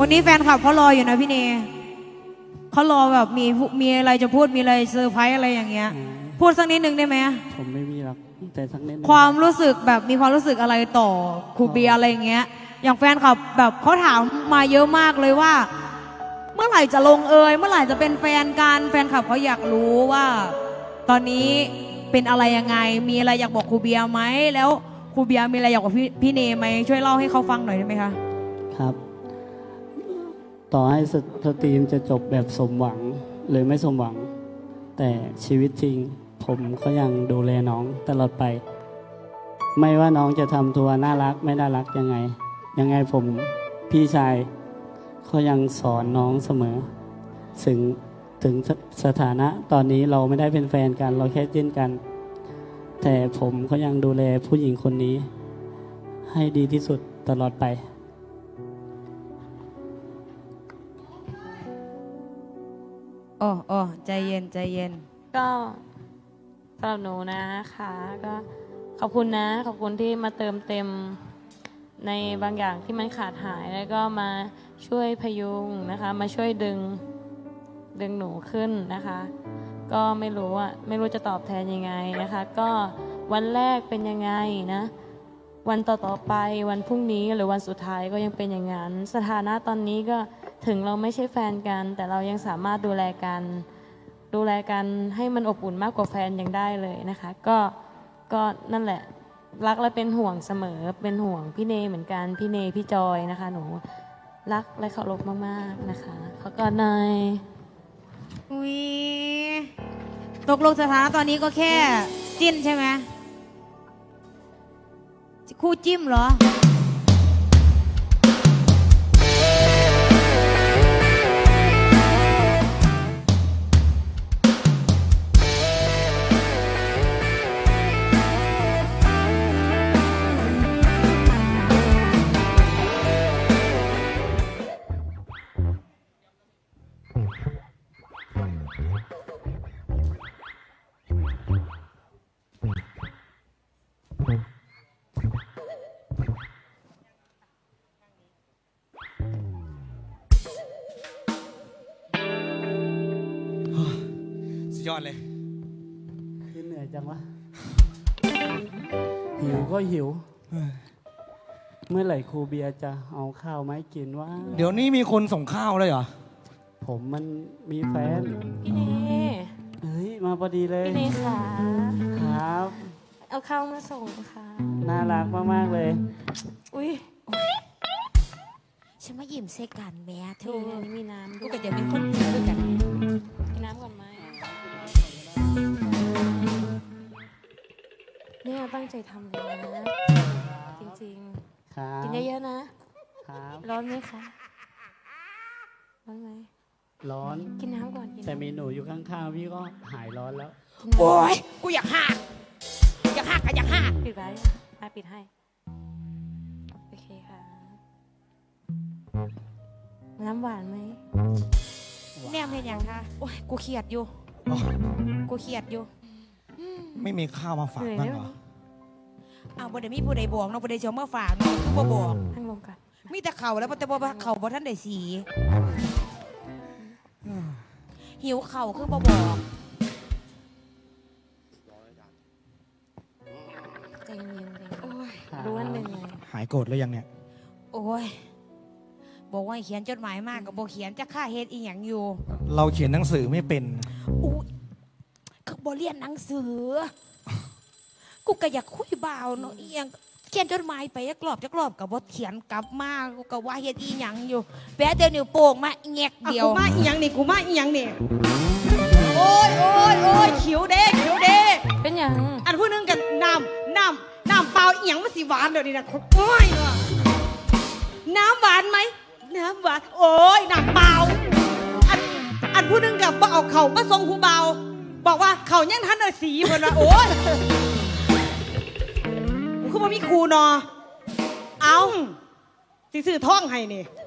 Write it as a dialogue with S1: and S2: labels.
S1: วันนี้แฟนคลับเขารออยู่นะพี่เนเขารอแบบมีอะไรจะพูดมีอะไรเซอร์ไพรส์อะไรอย่างเงี้ยพูดสักนิดนึงได้ไหม
S2: ผมไม่มีหรอกแต่สักนิด
S1: ความรู้สึกแบบมีความรู้สึกอะไรต่อครูเบียร์อะไรอย่างเงี้ยอย่างแฟนคลับแบบเขาถามมาเยอะมากเลยว่า เมื่อไหร่จะลงเอยเมื่อไหร่จะเป็นแฟนกันแฟนคลับเขาอยากรู้ว่า ตอนนี้เป็นอะไรยังไงมีอะไรอยากบอกครูเบียร์ไหมแล้วครูเบียร์มีอะไรอยากบอกพี่เนไหมช่วยเล่าให้เขาฟังหน่อยได้ไหมคะ
S2: ครับต่อให้สตรีมจะจบแบบสมหวังหรือไม่สมหวังแต่ชีวิตจริงผมก็ยังดูแลน้องตลอดไปไม่ว่าน้องจะทำตัวน่ารักไม่น่ารักยังไงผมพี่ชายก็ยังสอนน้องเสมอถึงสถานะตอนนี้เราไม่ได้เป็นแฟนกันเราแค่จิ้นกันแต่ผมก็ยังดูแลผู้หญิงคนนี้ให้ดีที่สุดตลอดไป
S1: โอ้ใจเย็นใจเย็น
S3: ก็สำหรับหนูนะคะก็ขอบคุณนะขอบคุณที่มาเติมเต็มในบางอย่างที่มันขาดหายแล้วก็มาช่วยพยุงนะคะมาช่วยดึงหนูขึ้นนะคะก็ไม่รู้จะตอบแทนยังไงนะคะก็วันแรกเป็นยังไงนะวันต่อไปวันพรุ่งนี้หรือวันสุดท้ายก็ยังเป็นอย่างนั้นสถานะตอนนี้ก็ถึงเราไม่ใช่แฟนกันแต่เรายังสามารถดูแลกันให้มันอบอุ่นมากกว่าแฟนยังได้เลยนะคะก็นั่นแหละรักและเป็นห่วงเสมอเป็นห่วงพี่เนเหมือนกันพี่เนพี่จอยนะคะหนูรักและเคารพมากๆนะคะขอกอดหน่อย
S1: อุ้ยตกลงสถานะตอนนี้ก็แค่จิ้นใช่ไหมคู่จิ้มเหรอ
S4: ยอดเลย
S2: คือเหนื่อยจังวะหิวก็หิวเมื่อไหร่ครูเบียร์จะเอาข้าวมาให้กินวะ
S4: เดี๋ยวนี้มีคนส่งข้าวเลยเหรอ
S2: ผมมันมีแฟน
S3: พี่เน
S2: เฮ้ยมาพอดีเลย
S3: พี่เนค่ะ
S2: ครับ
S3: เอาข้าวมาส่งค่ะ
S2: น่ารักมากๆเลย
S3: อุ้ย
S1: ฉันมายิ้มเซกันแม่เธอ
S3: นี่มีน้ำ
S1: กูก็จะมีคนจิ้มด้วยกัน
S3: กินน้ำก่อนไหมเนี่ยตั้งใจทำเลยนะจริงๆกินเยอะๆนะครับร้อนไหมคะร้อนไหม
S2: ร้อน
S3: กินน้ำก่อน
S2: แต่มีหนูอยู่ข้างๆพี่ก็หายร้อนแล้ว
S1: โอ้ยกูอยากหักก็อยากหัก
S3: ปิดไว้ปิดให้โอเคค่ะน้ำหวานไหม
S1: เนี่ยเป็นอย่างคะโอ้ยกูเครียดอยู่
S4: ไม่มีข้าวมาฝากบ้างเหรอ
S1: เอาบ่ได้มีผู้ใดบอกเนาะบ่ได้เชียวมาฝากเนาะคือบ่บอก
S3: นั่งลงกัน
S1: มีแต่เข่าแล้วแต่บ่เข่าบ่ท่านได้สีหิวเข่าคือบ่บอก
S3: ใจเย็นๆรู้ว่าเหนื่อย
S4: หายโกรธแล้วยังเนี่ย
S1: โอ้ยบอกว่าเขียนจดหมายมากกับบ่เขียนจะฆ่าเฮ็ดอีหยังอยู่
S4: เราเขียนหนังสือไม่เป็น
S1: อู้คือบ่เรียนหนังสือกูก็อยากคุยบ่าวเนาะอีหยังเขียนจดหมายไปจักรอบกับบ่เขียนกลับมากูก็ว่าเฮ็ดอีหยังอยู่แปะเดี๋ยวนิ้วโป้งมาแงกเดียว
S5: กูมาอีหยังนี่โอ้ยขิวเด้
S3: เป็นหยัง
S5: อันผู้นึงกันน้ำเปล่าอีหยังมันสิหวานเดี๋ยวนี้นะโอ้ยน้ำหวานไหมน้ำหวานโอ้ยน้ำเปล่าอันผู้นึงกับบ่เอาเข่ามาส่งผู้เบาบอกว่าเข่ายังทันเลยสีเหมือนว่าโอ้ยกูคือว่ามีครูนอเอาสิซื้อท่องให้นี่